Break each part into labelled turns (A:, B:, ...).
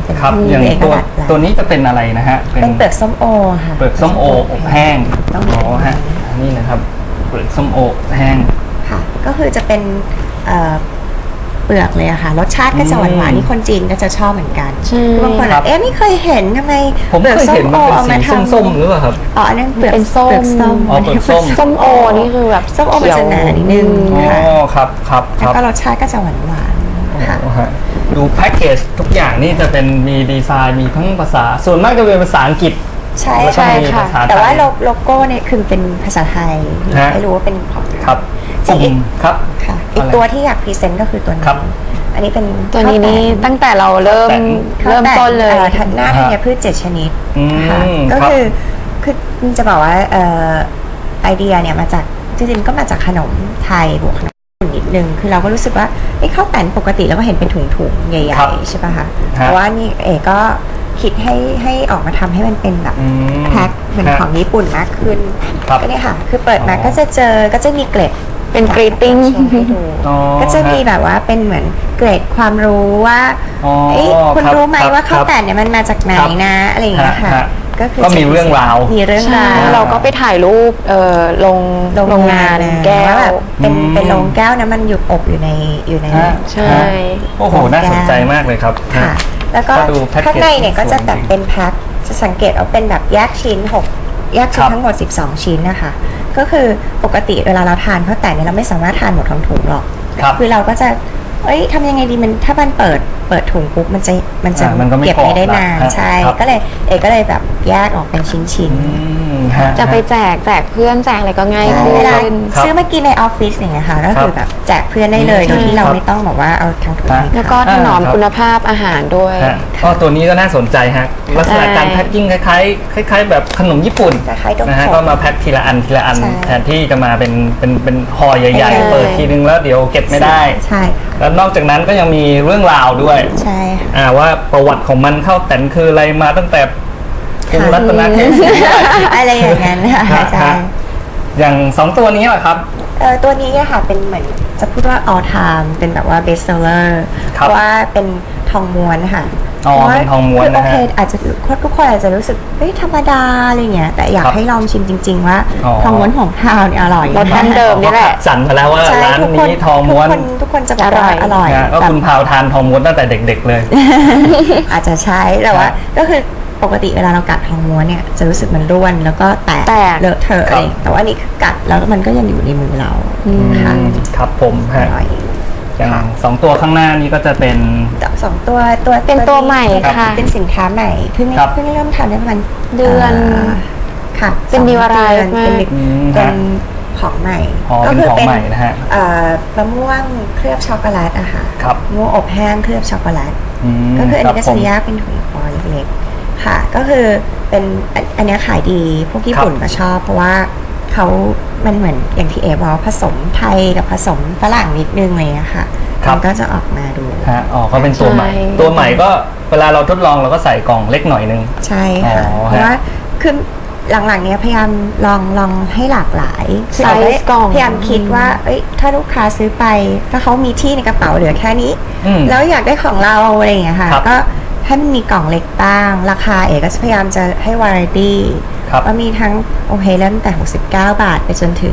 A: เป็น
B: ครับอย่าง
A: เอก
B: ตัว
A: ลักษณ์
B: ตัวนี้จะเป็นอะไรนะฮะ
A: เป็นเปลือกส้มโอค่ะ
B: เปลือกส้มโออบแห้ง
A: ต้อง
B: อ๋อฮะนี่นะครับเปลือกส้มโออบแห้ง
A: ค่ะ ก็คือจะเป็นเปลือกเลยอะค่ะ รสชาติก็จะหวานๆนี่คนจีนก็จะชอบเหมือนกัน
C: ใช่
A: คือบางคน
B: ครับ
A: ไม่เคยเห็นทำไม
B: ผม
A: เปลือก
B: เคย
A: ส้
B: เห็
A: ม
B: น
A: โอ
B: มันเป็น
A: เอามา
B: สี
A: ทำ
B: ส้มๆหรือเปล่าครับ
A: อ๋ออันนั้นเปลือก
C: เป็นส้ม
A: เปลือกส้ม
B: อ๋อเปลือกส้ม
C: ส้มโอนี่คือแบบ
A: ส้มโอมันจะหนานิดนึง
B: อ๋อ
A: ค่ะ
B: ครับค
A: แล้ว
B: รับ
A: ก็รสชาติก็จะหวานๆค่ะ
B: อ๋อฮะดูแพ็กเกจทุกอย่างนี่จะเป็นมีดีไซน์มีทั้งภาษาส่วนมากจะเป็นภาษาอังกฤษ
A: ใช่
B: แล้วก็
A: ค่ะ
B: มีภาษาไทย
A: แต่ว่าโลโก้เนี่ยคือเป็นภาษาไทย
B: ฮะ
A: ไม่รู้ว่าเป็นของ
B: ครับ
A: จริง
B: กลุ่มครับ
A: ค่ะ อีกตัวที่อยากพรีเซนต์ก็คือตัวนี้
B: ครับ
A: อันนี้เป็น
C: ตัวนี้นี่ตั้งแต่เราเริ่ม
A: ข้าวแตน
C: เริ่มต้นเลย
A: ข้าวแตนหน้าธัญพืช7 ชนิด
B: อืม
A: ค่ะก็
B: ครับ
A: คือจะบอกว่าไอเดียเนี่ยมาจากจริงๆก็มาจากขนมไทยบวกขนมญี่ปุ่นนิดนึงคือเราก็รู้สึกว่าข้าวแตนปกติเราก็เห็นเป็นถุงๆใหญ่
B: ครับ
A: ๆใช่ป่ะคะ
B: ฮะ
A: แต่ว่านี่ก็คิดให้ออกมาทำให้มันเป็นแบบ
B: อืม
A: แพ็คเหมือน
B: ฮะ
A: ของญี่ปุ่นมากขึ้น
B: ครับ
A: ก็เนี่ยค่ะ คือเปิดมา
B: อ๋อ
A: ก็จะมีเกร็ด
C: เป็น greeting
A: โชว์ให้ดู
B: อ๋อ
A: ก็จะมีแบบว่าเป็นเหมือนเกร็ดความรู้ว่า
B: อ๋อ
A: คุณ
B: ครับ
A: รู้ไหม
B: ครับ
A: ว่าข้าว
B: ครับ
A: แตนเนี่ยมันมาจากไหน
B: ครับ
A: นะอะไรอย่างเงี้ยค่ะ
B: ฮะ
A: ก็คือ
B: ก็มีเรื่องราว
A: มีเรื่อง
C: ใช่
A: ราว
C: เราก็ไปถ่ายรูปโรงงาน
A: นะ
C: แก้ว
A: บบเป็น
B: อืม
A: เป็นโรงแก้วนะมันอยู่อบอยู่ใน
B: ฮะ
C: ใช่
B: ฮะโอ้โหน่าสนใจมากเลยครับ
A: ค่ะ แล้วก็
B: ก็ดูแพ็กเกจ
A: ข้างในเนี่ยก็จะแบบ
B: สวยจริง
A: เป็นแพ็คจะสังเกตเอาเป็นแบบแยกชิ้น6แยกชิ้
B: ครั
A: น
B: บ
A: ทั้งหมด12 ชิ้นนะคะก็คือปกติเวลาเราทานข้าวแตนเนี่ยเราไม่สามารถทานหมดทั้งถุงหรอก
B: ครับ
A: คือเราก็จะทำยังไงดีมันถ้ามันเปิดถุงปุ๊บมันจะ
B: มันก็ไม่
A: เก็บไม่ได้
B: พอละ
A: นาน
B: ฮะ
A: ใช่
B: ครับ
A: ก็เลยแบบแยกออกเป็นชิ้น
B: ฮ
C: จะไปแจกเพื่อนแจกอะไรก็ง่าย
A: ๆ
C: ขึ้
A: เวลา
C: น
B: ครับ
A: ซื้อมากินในออฟฟิศอย่างเงี้ยค่ะก็คือแบบแจกเพื่อนได้เลย
B: อืม
A: โดยที่เรา
B: ครับ
A: ไม่ต้องบอกว่าเอาทั้งถุง
B: ฮะ
A: ให้
C: แล้วก็
A: เขา
C: ถนอม
B: ครับ
C: คุณภาพอาหารด้วย
B: ฮะก็ตัวนี้ก็น่าสนใจฮะลักษณะการ
C: ใช่
B: แพ็คกิ้งคล้ายๆแบบขนมญี่ปุ่น
A: คล้ายๆดม
B: นะฮะ
A: สด
B: ก็มาแพ็คทีละอัน
A: ใช่
B: แทนที่จะมาเป็นห่อใหญ่
A: ใช่
B: ๆ เปิดทีนึงแล้วเดี๋ยวเก็บไม่ได้
A: ใช่ค่ะ
B: แล้วนอกจากนั้นก็ยังมีเรื่องราวด้วย
A: ใช่ค่ะ
B: ว่าประวัติของมันข้าวแตนคืออะไรมาตั้งแต่กรุงรัตนโกสินทร์
A: อะไรอย่างนั้นค่ะ
B: ฮะ
A: ใช่
B: ฮะอย่าง2ตัวนี้แหละครับ
A: ตัวนี้อะค่ะเป็นเหมือนจะพูดว่า all time เป็นแบบว่า best seller เพ
B: ครับ
A: ราะว่าเป็นทองม้วนค่ะ
B: อ๋อ
A: พราะา
B: เป็นทองม้วน
A: คือโอ
B: นะฮะ
A: เคอาจจะทุกคนอาจจะรู้สึกธรรมดาอะไรเงี้ยแต่อยาก
B: ครับ
A: ให้ลองชิมจริง ๆ ว่า
B: อ๋อ
A: ทองม้วนของทาวเนี่ยอร่อย
C: รสดั้งเดิม นี่แหละ
B: สั่นมาแล้วว่า
A: ใช่
B: ร้าน
A: ทุกคน
B: นี้ทองม้วน
A: ทุกคนจะบอกว่าอร่อย
B: นะก็
A: แบบ
B: คุณพาวทานทองม้วนตั้งแต่เด็กๆเลย
A: อาจจะใช้แต่ว่า
B: ครับ
A: ก็คือปกติเวลาเรากัดทองม้วนเนี่ยจะรู้สึกมันร่วนแล้วก็แตก
C: แตก
A: เลอะเทอะ
B: ครับ
A: อะไรแต่ว่านี่คือกัดแล้วมันก็ยังอยู่ในมือเราค่ะ
B: ครับผม
A: อ
B: ฮะ
A: ร่อย
B: อย่าง2ตัวข้างหน้านี้ก็จะเป็น
A: สองตัว
C: เป็นตัวใหม่ค่ะ
A: เป็นสินค้าใหม่เพิ่ง
B: ครับ
A: เริ่มทำได้ประมาณ
C: เดือน
A: ค่ะ
C: เป็น
A: 2
C: new arrive
A: เดือน
C: มาก
A: เป็นของใหม่
B: อ๋อเป็นของใหม่นะฮะ
A: มะม่วงเคลือบช็อกโกแลตอะค่ะ
B: ครับ
A: มะม่วงอบแห้งเคลือบช็อกโกแลต
B: ม
A: ก็คืออันนี้ก็
B: ครั
A: จะ
B: บผม
A: แยกเป็นถุงฟอยล์เล็กๆค่ะ ก็คือเป็นอันเนี้ยขายดีพวกญี่ปุ่นก็ชอบ เพราะว่ามันเหมือนอย่างที่เอบอกว่าผสมไทยกับผสมฝรั่งนิดนึงเลยอะค่ะ
B: ครับ
A: มันก็จะออกมาดู
B: ฮะอ๋อก็เป็นตัวใหม่
C: ใช่
B: ตัวใหม่ก็เวลาเราทดลองเราก็ใส่กล่องเล็กหน่อยนึง
A: ใช่ค่ะ
B: อ๋อ
A: เพราะว่าคือหลังๆเนี้ยพยายามลองให้หลากหลายคือ
C: ไซส์
A: เอาไว้
C: กล่อง
A: พยายามคิดว่าถ้าลูกค้าซื้อไปถ้าเขามีที่ในกระเป๋าเหลือแค่นี้
B: อืม
A: แล้วอยากได้ของเราอะไรอย่างเงี้ยค่ะ
B: ครับ
A: ก็ให้มันมีกล่องเล็กบ้าง ราคาเอกก็พยายามจะให้วาไรตี้
B: ครับ
A: ก็มีทั้งโอเคเริ่มแต่69 บาทไปจนถึง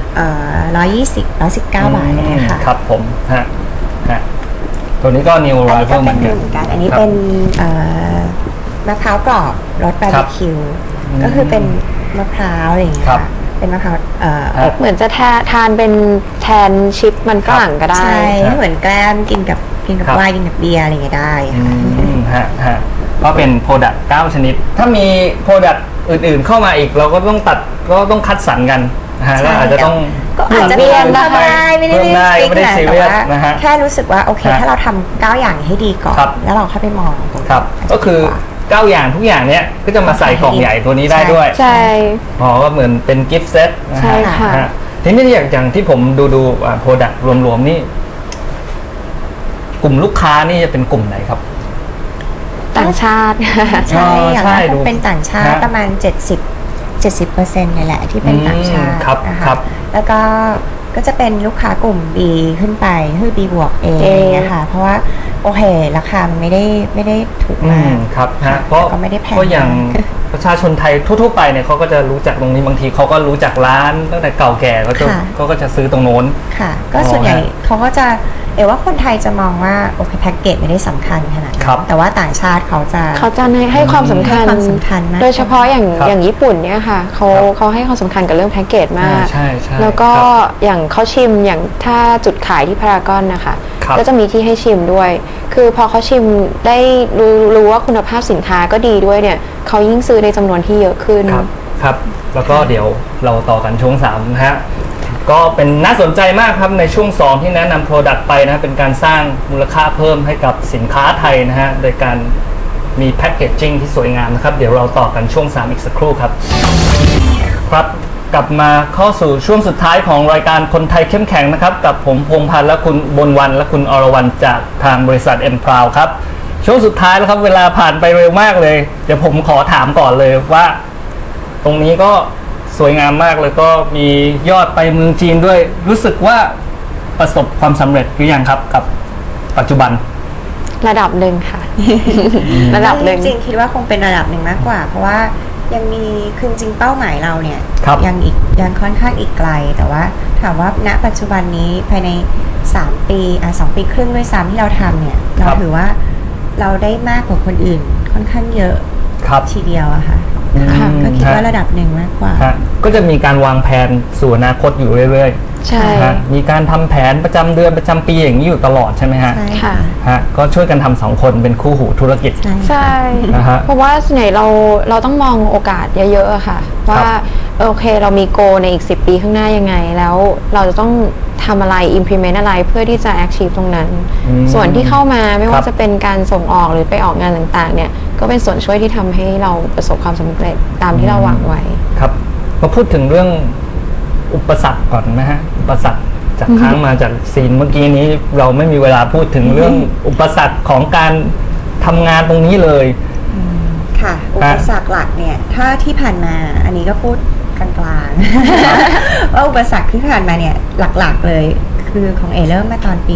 A: 119 บาทเลยค่ะ
B: ครับผมฮะตัวนี้ก็ New
A: อันนี้ก็
B: Arrival เห
A: เป็
B: มื
A: น
B: อน
A: เห
B: กัน
A: มือนกัน อันนี้
B: ครับ
A: เป็นมะพร้าวกรอบรสบาร์บีคิว ก็คือเป็นมะพร้าวอะไรอย่างเงี้ย
B: ครับ
A: ค่ะเป็นมะพร้าวอบ
C: เหมือนจะทานเป็นแทนชิปมันฝรั่งก็ได้
A: ใช่เหมือนแกล้มกินกับ
B: ครับ
A: ไวน์กินกับเบียร์อะไรอย่างเงี้ยได้
B: อื
A: ค่ะ
B: มฮะก็เป็นโปรดักต์9ชนิด ถ้ามีโปรดักต์อื่นๆเข้ามาอีกเราก็ต้องคัดสรรกันนะฮะ
A: ใช่
B: ก็อาจจะต้อง
A: ก็อาจจะ
C: เปลี่ยน
A: ทำได้ไม่ได้
B: เพิ่มได้
A: ฟิก
B: ไม่ได้
A: นะ
B: ซี
A: แต่
B: เรียส
A: ว่า
B: นะฮะ
A: แค่รู้สึกว่าโอเค
B: ฮะ
A: ถ้าเราทำ9อย่างให้ดีก่อน
B: ครับ
A: แล้วเราค่อยไปมองตรง
B: ครับ
A: นั้น
B: ก็คือ
A: จะดีว่า
B: 9อย่างทุกอย่างเนี้ยก็จะมาใส่กล่องใหญ่ตัวนี้ได้ด้วย
C: ใช่
B: อ๋อก็เหมือนเป็นกิฟต์เซตนะ
C: ใช่
B: ฮะ
C: ค่ะ
B: ฮะทีนี้อย่างที่ผมดูโปรดักต์รวมๆนี่ กลุ่มลูกค้านี่จะเป็นกลุ่มไหนครับ
C: ต่างชาติ
A: ใช่อย่าง
B: ใช่
A: นั้น
B: ดู
A: เป็นต่างชาติ
B: ฮะ
A: ประมาณ70%นี่แหละที่เป็นต่างชาติ
B: ครับ
A: นะคะ
B: ครับ
A: แล้วก็ก็จะเป็นลูกค้ากลุ่ม B ขึ้นไปคือ B บวก A
C: A
A: เนี่ยค่ะเพราะว่าโอเคราคามันไม่ได้ถูกมาก
B: ครับฮะ
A: ก็ไม่ได้แพง
B: ก็อย่าง
A: มาก
B: ประชาชนไทยทั่วๆไปเนี่ยเขาก็จะรู้จักตรงนี้บางทีเขาก็รู้จักร้านตั้งแต่เก่าแก่เขาก็จะซื้อตรงโน้น
A: ค่ะก็ส่วนใหญ่เขาก็จะว่าคนไทยจะมองว่าโอเคแพ็กเกจไม่ได้สำคัญขนาดนั้นแต่ว่าต่างชาติเขาจะ
C: ให้ความสำคัญ
A: ให้ความสำคัญมาก
C: โดยเฉพาะอย่างญี่ปุ่นเนี่ยค่ะเขาให้ความสำคัญกับเรื่องแพ็กเกจมาก
B: ใช่
C: แล้วก็
B: ครับ
C: อย่างเขาชิมอย่างถ้าจุดขายที่พารากอนนะคะ
B: ครับ
C: ก็จะมีที่ให้ชิมด้วย คือพอเขาชิมได้รู้ว่าคุณภาพสินค้าก็ดีด้วยเนี่ยเขายิ่งซื้อในจำนวนที่เยอะขึ้น
B: ครับแล้วก็เดี๋ยวเราต่อกันช่วง3นะฮะก็เป็นน่าสนใจมากครับในช่วง2ที่แนะนำโปรดักต์ไปนะเป็นการสร้างมูลค่าเพิ่มให้กับสินค้าไทยนะฮะโดยการมีแพคเกจจิ้งที่สวยงามนะครับเดี๋ยวเราต่อกันช่วง3อีกสักครู่ครับครับกลับมาเข้าสู่ช่วงสุดท้ายของรายการคนไทยเข้มแข็งนะครับกับผมพงษ์พันธ์และคุณบนวันและคุณอรวรรณจากทางบริษัท M Proud ครับช่วงสุดท้ายแล้วครับเวลาผ่านไปเร็วมากเลยเดี๋ยวผมขอถามก่อนเลยว่าตรงนี้ก็สวยงามมากเลยก็มียอดไปเมืองจีนด้วยรู้สึกว่าประสบความสำเร็จหรือยังครับกับปัจจุบัน
C: ระดับหนึ่งค่ะ ระดับหนึ่ง
A: จริงๆคิดว่าคงเป็นระดับหนึ่งมากกว่า เพราะว่ายังมีคือจริงเป้าหมายเราเนี่ย
B: ครับ
A: ยังค่อนข้างอีกไกล แต่ว่าถามว่าณปัจจุบันนี้ภายใน3ปี2 ปีครึ่งด้วยซ้ำที่เราทำเนี่ยเราถือว่าเราได้มากกว่าคนอื่นค่อนข้างเยอะ
B: ครับ
A: ทีเดียวอะค่ะ
C: ค่ะ
A: ก็คิดว่าระดับหนึ่งมากกว่า
B: ฮะก็จะมีการวางแผนสู่อนาคตอยู่เรื่อย
C: ใช่
B: ๆฮะมีการทำแผนประจำเดือนประจำปีอย่างนี้อยู่ตลอดใช่ไหมฮะ
A: ใช่
C: ค่ะ
B: ฮะก็ช่วยกันทำ2คนเป็นคู่หูธุรกิจ
A: ใช่
C: ใช่
B: นะฮะ
C: เพราะว่าส่วนใหญ่เราต้องมองโอกาสเยอะๆอะค่ะ ว่าโอเคเรามีโกในอีก10 ปีข้างหน้ายังไง แล้วเราจะต้องทำอะไร implement อะไรเพื่อที่จะ achieve ตรงนั้น ส่วนที่เข้ามาไม่ว่าจะเป็นการส่งออกหรือไปออกงานต่างๆเนี่ยก็เป็นส่วนช่วยที่ทำให้เราประสบความสำเร็จตามที่เราหวังไว้
B: ครับมาพูดถึงเรื่องอุปสรรคก่อนนะฮะอุปสรรคจากค้างมาจากซีนเมื่อกี้นี้เราไม่มีเวลาพูดถึงเรื่องอุปสรรคของการทำงานตรงนี้เลย
A: ค่ะ อุปสรรคหลักเนี่ยถ้าที่ผ่านมาอันนี้ก็พูดกลางๆ ว่าอุปสรรคที่ผ่านมาเนี่ยหลักๆเลยคือของเริ่มมาตอนปี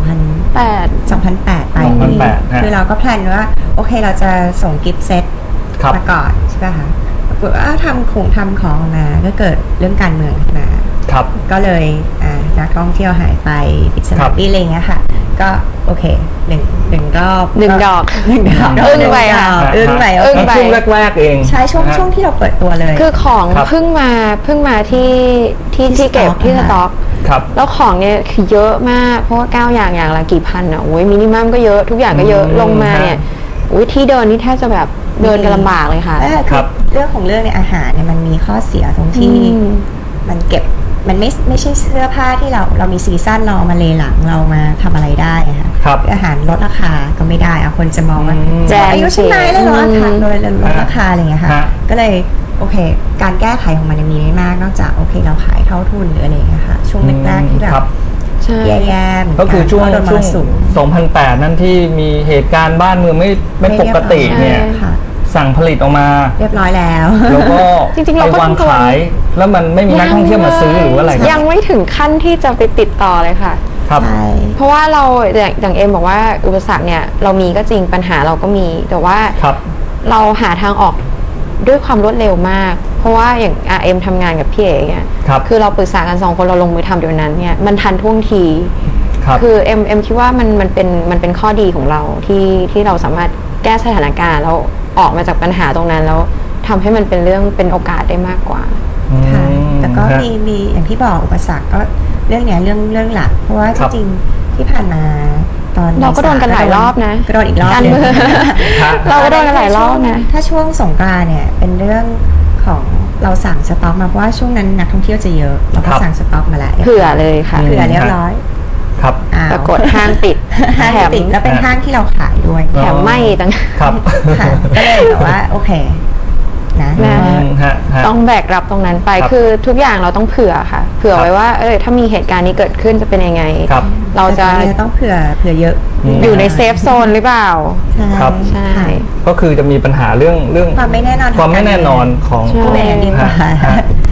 A: 2008 ไป
B: 2008 ฮะ
A: คือเราก็แพลนว่าโอเคเราจะส่งกิฟต์เซต
B: ครับ
A: มาก่อนใช่ป่ะคะปรากฏว่าทำของมาก็เกิดเรื่องการเมืองขึ้นมา
B: ครับ
A: ก็เลยนักท่องเที่ยวหายไปปิดสนามบินอะไรเงี้ยค่ะ ก็โอเคหนึ่งรอบ
C: หนึ่งดอก
A: อึ้งไปค่ะ
C: อึ้งไป
B: ช่วงแรกๆเอง
A: ใช่ช่วง
B: นะฮะ
A: ช่วงที่เราเปิดตัวเลย
C: คือของ
B: ครับ
C: เพิ่งมาที่เก็บที่สต็อก
B: ครับ
C: แล้วของเนี่ยคือเยอะมากเพราะว่า9อย่างละกี่พันอ่ะโอ้ยมินิมัมก็เยอะทุกอย่างก็เยอะลงมาเนี่ยอุ้ยที่เดินนี่แทบจะแบบเดินกันลำบากเลยค่ะ
B: ครับ
A: เรื่องของเรื่องในอาหารเนี่ยมันมีข้อเสียตรงที่
C: อืม
A: มันเก็บมันไม่ใช่เสื้อผ้าที่เรามีซีซั่นเราเอามาเลหลังเรามาทำอะไรได้อะค่ะ
B: ครับ
A: อาหารลดราคาก็ไม่ได้อะคนจะมองว่า
C: แจง
A: อายุชั้นในเลยเหรอ
C: อืม
A: อาหารลดราคาอะไรอย่างเงี้ยค่ะ
B: ฮะ
A: ก็เลยโอเค การแก้ไขของมันยังมีไม่มากนอกจากโอเคเราขายเท่าทุนหรืออะไรอย่างเงี้ยค่ะช่วงแรกๆที่แบ
B: ครับ บ
C: ใช่
A: แย่ๆเหมืนน
B: ก็คือช่วง
A: เพราะโดนมรสุม
B: 2008 นั่นที่มีเหตุการณ์บ้านเมืองไม่ปกติเนี่ย
C: ใช่
A: ค่ะ
B: สั่งผลิตออกมา
A: เรียบร้อยแล้ว
B: แล้วก็
C: จริงๆเรา
B: ไป
C: ก็
B: วาง
C: ต้อง
B: ขาย แล้วมันไม่มีนักท่องเที่ยวมาซื้อหรือว่าอะไร
C: ยังไม่ถึงขั้นที่จะไปติดต่อเลยค่ะ
B: ครับ
A: ใช่
C: เพราะว่าเราอย่างเอ็มบอกว่าอุปสรรคเนี่ยเรามีก็จริงปัญหาเราก็มีแต่ว่า
B: ครับ
C: เราหาทางออกด้วยความรวดเร็วมาก เพราะว่าอย่างเอ็มทำงานกับพี่เอ๋เนี่ย
B: ครับ
C: คือเราปรึกษากัน2 คนเราลงมือทำเดี๋ยวนั้นเนี่ยมันทันท่วงที
B: ครับ
C: คือเอ็มคิดว่ามันเป็นข้อดีของเราที่เราสามารถแก้สถานการณ์แล้วออกมาจากปัญหาตรงนั้นแล้วทำให้มันเป็นเรื่องเป็นโอกาสได้มากกว่า
A: ค่ะ แต่ก็
B: ฮะ
A: มีอย่างที่บอกอุปสรรคก็เรื่องเนี้ยเรื่องหลัก เพราะว่า
B: ครับ
A: จริงๆที่ผ่านมาตอน
C: เราก็โดนกันหลายรอบนะ
A: ก็โดนอีกรอบ
C: การ
A: หนึ่ง
C: เมือง
B: ฮะ
C: เราก็โดนกันหลายรอบนะ
A: ถ้าช่วงสงกรานต์เนี่ยเป็นเรื่องของเราสั่งสต็อกมาเพราะว่าช่วงนั้นนักท่องเที่ยวจะเยอะเราก็
B: ครับ
A: สั่งสต็อกมาแล้ว
C: เผื่อเลยค่ะ
A: เผื่อเรียบร้อย
B: ครับ
A: อ้าว
C: ปรากฏห้างปิด
A: ห้าง
C: แถม
A: ปิดแล้วเป็นห้างที่เราขายด้วย
C: แถมไหม่ต่าง
B: ครับ
A: ค่ะก็เลยแบบว่าโอเคนะ
C: นะ
B: ฮะ
C: ต้องแบกรับตรงนั้นไป
B: ครับ
C: คือทุกอย่างเราต้องเผื่อค่ะ เผื่อ
B: ครับ
C: ไว้ว่าถ้ามีเหตุการณ์นี้เกิดขึ้นจะเป็นยังไง
B: ครับ
C: เราจะ
A: แต่ต้องเผื่อเยอะ
C: อยู่ในเซฟโซนหรือเปล่า
A: ใช่
B: ครับ
C: ใช่
B: ก็คือจะมีปัญหาเรื่อง
A: ความไม่แน่นอน
B: ความไม่แน่นอนของ
C: ใช่
A: พูดอย่างนี้ดีกว่า
B: ฮะ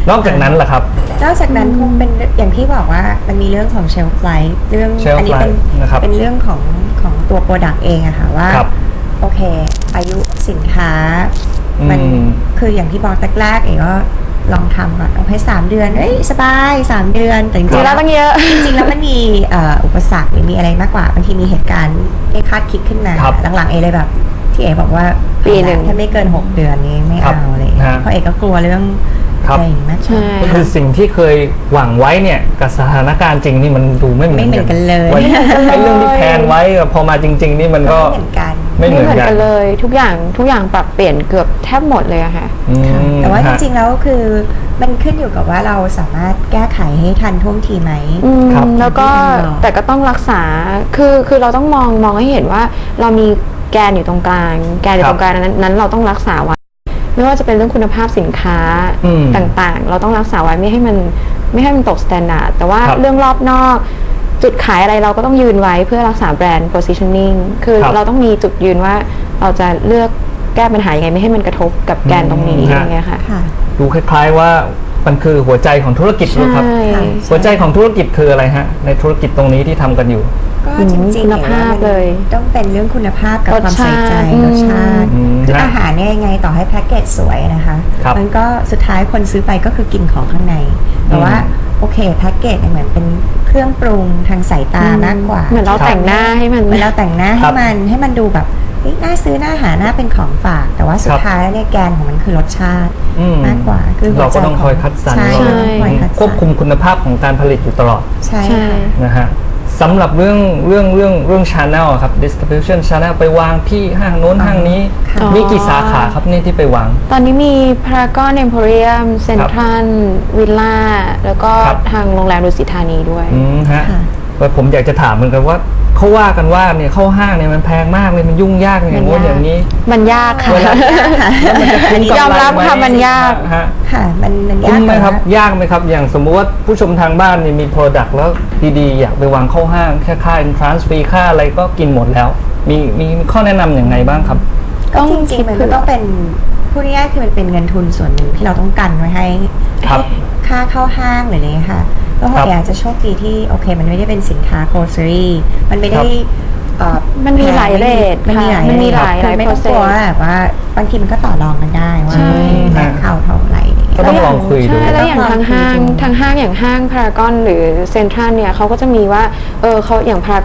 B: นอกจากนั้นล่ะครับ
A: นอกจากนั้นคงเป็นอย่างที่บอกว่ามันมีเรื่องของ shelf life เรื่อง
B: shelf
A: อันี้เป็น
B: life นะครับ
A: เป็นเรื่องของตัว product เองอะค่ะว่า
B: ครับ
A: โอเค อายุสินค้ามัน
B: อืม
A: คืออย่างที่บอกแรกๆเองก็ลองทำก่อนโอเค3 เดือนเอ้ยสบาย3 เดือนแต่จ
C: จริ
A: ริ
C: ง
A: งๆ
C: แล้
A: แล้ว ว
C: ตั้งเยอะ
A: จริงๆแล้วมันมีอุปสรรคหรือมีอะไรมากกว่าบางทีมีเหตุการณ์ไม่คาดคิดขึ้นมา
B: ครับ
A: หลังๆเอเลยแบบที่เอบอกว่า
C: ปีหนึ่ง
A: ถ้าไม่เกิน 6 เดือนนี้ไม่
B: ครับ
A: เอาเลย
B: ฮะ
A: เพราะเอกก็กลัวเรื่อง
B: ครับ
A: อะไรอย่างนี้มากกว่า
C: ใช่
B: ก็คือสิ่งที่เคยหวังไว้เนี่ยกับสถานการณ์จริงนี่มันดูไม่เหมือน
A: ไม่เหมือนกันเลย
B: ไว้ไอ้เรื่องที่แพลนไว้กับพอมาจริง ๆ นี่มันก็
A: ไม่เหมือนกัน
B: ไม่เหมือนกัน
C: เลยทุกอย่างปรับเปลี่ยนเกือบแทบหมดเลยอะค่ะ
B: อืม
A: แต่ว่าจ
B: ฮะ
A: ริงๆแล้วคือมันขึ้นอยู่กับว่าเราสามารถแก้ไขให้ทันท่วงทีไหม
B: ครับ
C: แล้วก็
A: ที่มันบอก
C: แต่ก็ต้องรักษาคือเราต้องมองให้เห็นว่าเรามีแกนอยู่ตรงกลาง แกนอยู่ตรงกลางนั้นเราต้องรักษาไว้ ไม่ว่าจะเป็นเรื่องคุณภาพสินค้า
B: อืม
C: ต่างๆ เราต้องรักษาไว้ไม่ให้มันตกสแตนดาร์ดแต่ว่า
B: ครับ
C: เรื่องรอบนอกจุดขายอะไรเราก็ต้องยืนไว้เพื่อรักษาแบรนด์ positioning คือ
B: ครับ
C: เราต้องมีจุดยืนว่าเราจะเลือกแก้ปัญหายังไงไม่ให้มันกระทบกับแกนตรงนี้
B: อืม
C: อย่างเงี้ยค่ะ
A: ค่ะ
B: ดูคล้ายๆว่ามันคือหัวใจของธุรกิจเลยครับ
C: ใช่
B: หัวใจของธุรกิจคืออะไรฮะในธุรกิจตรงนี้ที่ทำกันอยู่
A: ก็จริงๆ
C: คุณภาพเลย
A: ต้องเป็นเรื่องคุณภาพกับ
C: รส
A: ความใส่ใจ
C: ชาติ
A: รสชาติ
B: อืม
A: คือ
B: ฮะ
A: อาหารเนี่ยยังไงต่อให้แพ็กเกจสวยนะคะ
B: ครับ
A: มันก็สุดท้ายคนซื้อไปก็คือกินของข้างใน แต่ว่าโอเคแพ็กเกจเนี่ยเหมือนเป็นเครื่องปรุงทางสายตามากกว่า
C: เหมือนเราแต่งหน้าให้มัน
A: เหมือนเราแต่งหน้า
B: ครั
A: ให้
B: บ
A: มันดูแบบเฮ้ยน่าซื้อน่าหาน่าเป็นของฝาก แต่ว่าสุ
B: ค
A: ด
B: รับ
A: ท้ายแล้วเนี่ยแกนของมันคือรสชาติ
B: อืม
A: มากกว่าคือหัว
B: เรา
A: ใจ
B: ก็ต้องคอยคัดสรร
A: ใช่
C: ใช่
A: เราต้องคอยคัดสรร
B: ควบคุมคุณภาพของการผลิตอยู่ตลอด
A: ใช่
C: ใช่
A: ค่ะ
B: นะฮะสำหรับเรื่อง channel อะครับ distribution channel ไปวางที่ห้างโน้นห้างนี้
A: ค่ะ
B: มีกี่สาขาครับนี่ที่ไปวาง
C: ตอนนี้มีพารากอนเอ็มโพเรียมเซ็นทรัลวิลล่าแล้วก็
B: ครับ
C: ทางโรงแรมดุสิตธานีด้วย
B: ฮะ
A: ค่ะ
B: แต่ผมอยากจะถามเหมือนกันว่าเขาว่ากันว่าเนี่ยเข้าห้างเนี่ยมันแพงมากเลยมันยุ่งยากอย่างงู้นอย่างนี้
C: มันยากค่ะ
B: เวลา
A: ค่ะ
B: คุ้มกำไร
C: ยอมรับค่ะ
B: ไห
C: มันยาก
B: ฮะ
A: ค่ะมันยาก
B: คุ้มไหมครับ
A: แต่ว่า
B: ยากไหมครับ อย่างสมมุติว่าผู้ชมทางบ้านนี่มี Product แล้วดีๆ อยากไปวางเข้าห้างแค่ค่า entrance fee ค่าอะไรก็กินหมดแล้ว มีข้อแนะนำอย่างไงบ้างครับ
A: ก็
C: ต้อง
A: จ
C: คิ
A: ริง
C: ด
A: ๆมัน
C: เผื่
A: ก็
C: อ
A: ต้องเป็นพูดง่ายๆคือมันเป็นเงินทุนส่วนหนึ่งที่เราต้องกันไว้ให้
B: ครับ
A: ค่าเข้าห้างหรืออะไรค่ะก็
B: ครับ
A: อยากจะโชคดีที่โอเคมันไม่ได้เป็นสินค้า grocery มันไม่ได้
C: มันมีหลายเรท
A: มันมีหลาย
C: ค่ะมันมีหลาย
A: คือไม่ต้องกลัว
C: process
A: แบบว่าบางทีมันก็ต่อรองกันได้ว่า
C: ใช่
A: แรงเข้าเท่าไหร่
B: ก็ต้องลองคุยดู
C: ใช่แล้วอย่างทางห้างอย่างห้างพารากอนหรือเซ็นทรัลเนี่ยเขาก็จะมีว่าเขาอย่างพาราก